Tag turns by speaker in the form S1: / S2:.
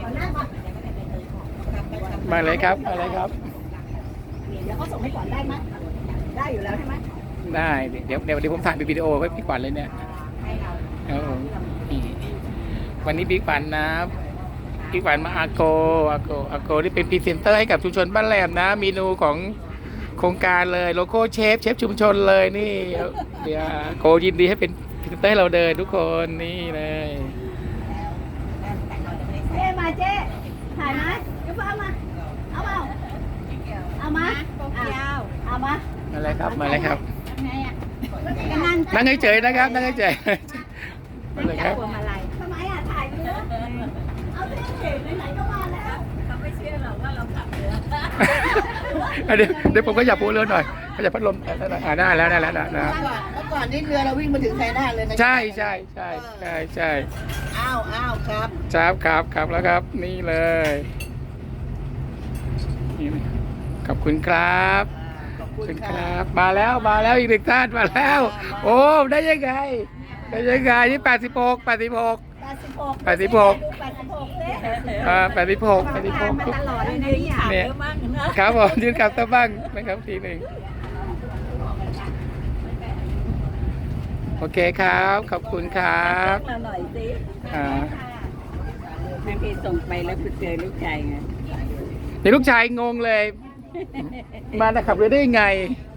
S1: มาเลยครับมาเลยครับ
S2: แล้วก็ส่งให้ก่อนได้ไหมได้อยู่แล้วใช่ไหม
S1: ได้เดี๋ยวผมถ่ายเป็นวิดีโอไว้พี่ขวัญเลยเนี่ยครับผมนี่วันนี้พี่ขวัญนะพี่ขวัญมาอาโกที่เป็นพรีเซนเตอร์ให้กับชุมชนบ้านแหลมนะเมนูของโครงการเลยโลโก้เชฟชุมชนเลยนี่เดี๋ยวโกยินดีให้เป็นพรีเซนเตอร์ให้เราเดินทุกคนนี่เลย
S2: เจ๊มาเจ๊ถ่ายไหมเดี๋ยวเอามาเอามาเอามา
S1: มาเลยครับมาเลยครับ
S2: นั่ง
S1: นั่งเฉยๆนะครับนั่งเฉยๆมาเลยครับ
S2: ทำไมถ่ายเรือเอาเจ๊ไหนๆก็มาแล้วเขาไม่เชื่อหรอกว่าเราขับเรือ
S1: เดี๋ยวผมก็อยากพูดเรือหน่อยก็อยากพัดลมได้แล้วนะ
S3: เมื่อก่อนนี่เรือเราวิ่งมาถึงชัยนาทเลยนะ
S1: ใช่
S3: อ้าวครับ
S1: ครับแล้วครับนี่เลยขอบคุณครับมาแล้วอีกหนึ่งท่านมาแล้วโอ้ได้ยังไงนี่86
S2: มาตลอดเลย
S1: เนี่ยครับผมยืนกลับตะบ้างนะครับทีหนึ่งโอเคครับขอบคุณครับ
S2: หน่อยสิแม่พี่ส่งไปแล้วเจอลูกชายไง
S1: เดี๋ยวลูกชายงงเลยมาขับเรือได้ยังไง